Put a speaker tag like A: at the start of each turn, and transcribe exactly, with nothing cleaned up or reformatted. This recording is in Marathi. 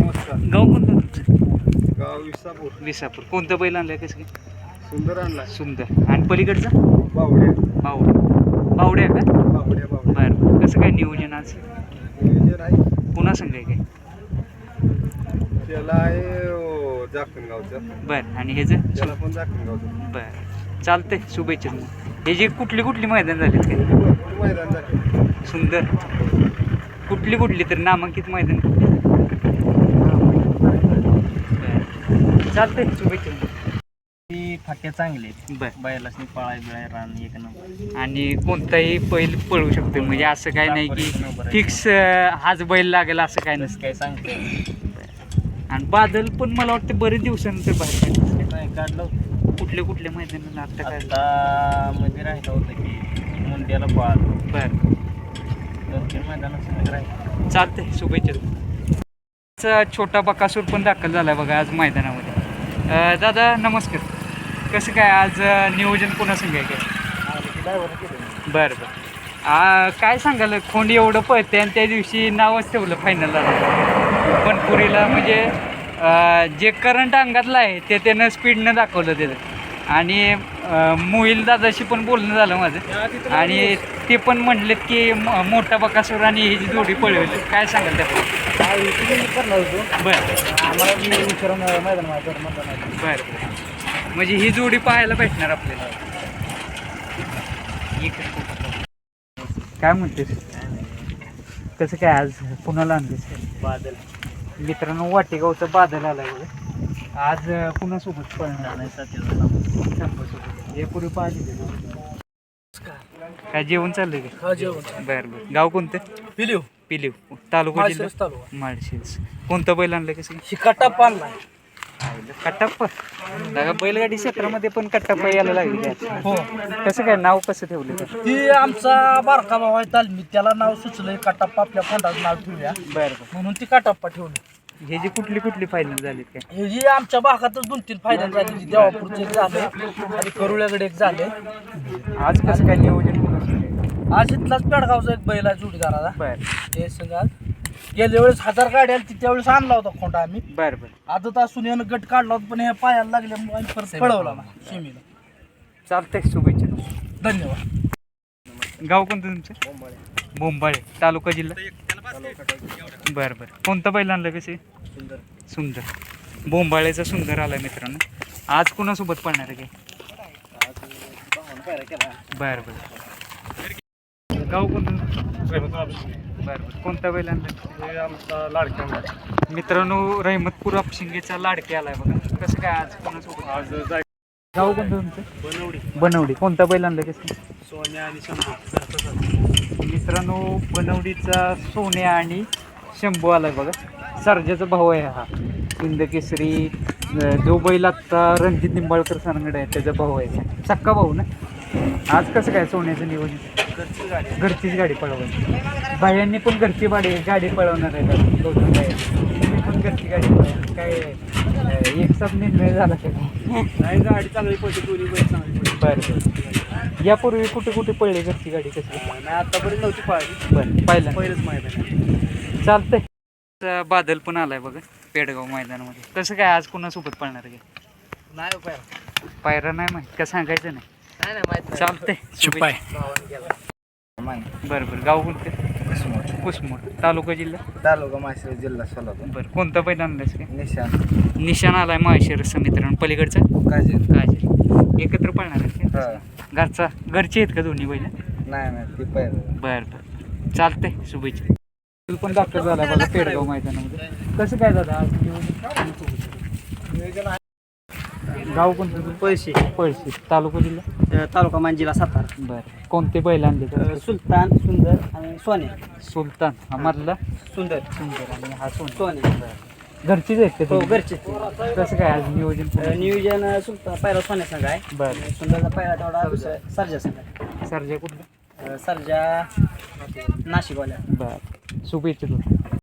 A: नमस्कार.
B: गाव कोणतं तुमचं?
A: गाव विसापूर.
B: विसापूर. कोणतं बैल आणलंय कसं काय?
A: सुंदर आणला.
B: सुंदर. आणि पलीकडचा
A: बावड्या.
B: बावड्या. बावड्या का?
A: बावड्या बावड्या.
B: बरं बरं. कसं काय नियोजन आज?
A: नियोजन आहे
B: पुन्हा सांगाय काय?
A: त्याला आहे अं, जाखणगावचं.
B: बरं. आणि ह्याचं?
A: त्याला पण जाखणगावचं.
B: बरं चालतंय. शुभेच्छा. हे जे कुठली कुठली मैदान झालीत काय?
A: भरपूर मैदान झाले.
B: सुंदर. कुठली कुठली तर नामांकित मैदान कुठली? बरं चालतंय. शुभेच्छा.
C: ती फाट्या चांगले आहेत.
B: बरं.
C: बैलासनी पळाय बिळाय रान एक नंबर.
B: आणि कोणताही बैल पळू शकतो म्हणजे असं काय नाही की फिक्स हाच बैल लागेल असं काय नसतं.
C: काय सांगते
B: आणि बादल पण मला वाटतं बरेच दिवसानंतर बाहेर काढलं.
C: नाही काढलं होतं.
B: कुठल्या कुठल्या मैदानाला आता काय?
C: आता मध्ये राहिलं होतं की मुंड्याला पाळ
B: बरं
C: दोन तीन मैदानात सगळं राहिलं.
B: चालतंय. शुभेच्छा. छोटा बकासूर पण दाखल झाला बघा आज मैदानामध्ये. अं, दादा नमस्कार. कसं काय आज अं, नियोजन पुन्हा सांगाय काय? बरं बरं. आ, काय सांगाल खोंड एवढं पळते आणि त्या दिवशी नावच ठेवलं फायनलला बनपुरीला म्हणजे अं, जे करंट अंगातलं आहे ते त्यानं स्पीडनं दाखवलं त्याचं. आणि मोहिल दादाशी पण बोलणं झालं माझं आणि ते पण म्हटलेत की म- मोठा बकासूर आणि ही जी जोडी पळवली. काय सांगाल त्या? बरं बरं. म्हणजे ही जोडी पाहायला भेटणार आपल्याला. काय म्हणतेस? कसं काय आज पुण्याला आणलीस?
C: बादल
B: मित्रांनो वाटेगावचं बादल आलाय बघा आज पुन्हा सोबत पळणार नाही. सोबत यापूर्वी पाहिजे. काय जेवण चाललंय का?
C: हा जेवण
B: बरं बरं. गाव कोणतं?
C: पिलीव
B: पिलीव. तालुका जिल्हा
C: तालुका
B: माळशिरस. कोणतं बैल आणलं कसं?
C: शिकाटा पानला
B: कट्टाप्पा. दादा बैलगाडी क्षेत्रामध्ये पण कट्टाप्पा यायला लागली काय?
C: हो.
B: कसं काय नाव कसं ठेवलं तर?
C: ती आमचा बारका भाऊ आहे तालमी त्याला नाव सुचलंय काटाप्पा आपल्या फोंडाचं नाव ठेवूया
B: बरं बरं.
C: म्हणून ती काटाप्पा ठेवली.
B: हे जे कुठली कुठली फायनल झालीत काय?
C: हे जी आमच्या भागातच दोन तीन फायनल झाली. देवापूरचे एक झाले आणि करुळ्याकडे एक झाले.
B: आज कसं काय नियोजन कोणाचं?
C: आज इथलाच पेडगावचा एक बैल आहे जोडीदाराला
B: बरं
C: ते सगळं गेल्या वेळेस हजार गाड्या आली त्यावेळेस आणला होता खोंडा आम्ही.
B: बरं बरं.
C: आता असून यानं गट काढला होता पण ह्या पायाला लागल्यामुळे आम्ही परत पळवला ना शिमीला.
B: चालतंय. शुभेच्छा तुम्हाला.
C: धन्यवाद.
B: गाव कोणतं तुमचं? बोंबाळे. तालुका जिल्हा बरं बरं. कोणतं बैल आणलं कसे?
C: सुंदर
B: सुंदर. बोंबाळेचा सुंदर आलाय मित्रांनो. आज कुणासोबत पळणार आहे काय? बरं बरं. गाव कोणतं? बरं बरं. कोणता बैल आणलं?
A: आमचा लाडका
B: मित्रांनो रहिमतपूर अपशिंगेचा लाडके आलाय बघा. कसं काय आज कोणासोबत?
A: आज जाय
B: गाव कोणतं तुमचं?
A: बनवडी.
B: बनवडी. कोणता बैल आणलं कसं?
A: सोन्या आणि शंभू.
B: मित्रांनो बनवडीचा सोन्या आणि शंभू आलाय बघा. सर्जाचा भाऊ आहे हा. हिंदकेसरी जो बैल आत्ता रणजित निंबाळकर सरांकडे आहे त्याचा भाऊ आहे. सक्का भाऊ ना. आज कसं काय सोन्याचं नियोजन?
C: घरची गाडी
B: घरचीच गाडी पळवायची. भायांनी पण घरची गाडी गाडी पळवणार आहे का? गौतम भाई तुम्ही पण घरची गाडी पळवा. काय अं, एक साथ निर्णय झाला का?
A: नाही गाडी चांगली पडते दोन्ही बैल चांगली पडते.
B: बरं बरं. यापूर्वी कुठे कुठे पडली घरची गाडी कशी?
A: नाही आतापर्यंत नव्हती पाहिजे.
B: बरं पाहिलं.
A: पहिलंच मैदान आहे.
B: चालतंय. बादल पण आलाय बघा पेडगाव मैदानामध्ये. कसं काय आज कोणासोबत पळणार आहे?
C: नाही पाय
B: पायरा नाही माहीत का? सांगायचं नाही.
C: नाही नाही माहिती
B: चालतंय. बरं बरं. गाव कोणतं? कुसमोड. तालुका जिल्हा
C: तालुका माहेश्वर जिल्हा सोलापूर.
B: बरं. कोणता बैल आणलायस काय?
C: निशान
B: निशाण आलाय माहेश्वरचा मित्रांनो. पलीकडचा
C: काजीर
B: काजल. एकत्र पळणार आहे
C: हा.
B: का? घरचा घरचे आहेत का दोन्ही बैल?
C: नाही नाही ती पहिलं
B: बरं बरं. चालतंय. शुभेच्छा. तू पण दाखल झाला बघा पेडगाव मैदानामध्ये. कसं काय दादा आज
C: नियोजन
B: गाव कोणतं?
C: पैसे
B: पळशी. तालुका जिल्हा
C: तालुका मान जिल्हा सातारा.
B: बरं. कोणते बैल आणले तर?
C: सुलतान सुंदर आणि सोन्या.
B: सुलतान हा मधला
C: सुंदर
B: सुंदर आणि हा सोन.
C: सोन्या
B: घरचीच आहेत का
C: हो
B: तुम्ही?
C: घरचे.
B: कसं काय आज नियोजन?
C: नियोजन सुलतान पहिला सोन्या संघ आहे.
B: बरं.
C: सुंदरचा पहिला तेवढा दुसरा सर्जा संघ आहे.
B: सरजा कुठलं?
C: सर्जा नाशिकवाल्या.
B: बरं. शुभेच्छा तुला.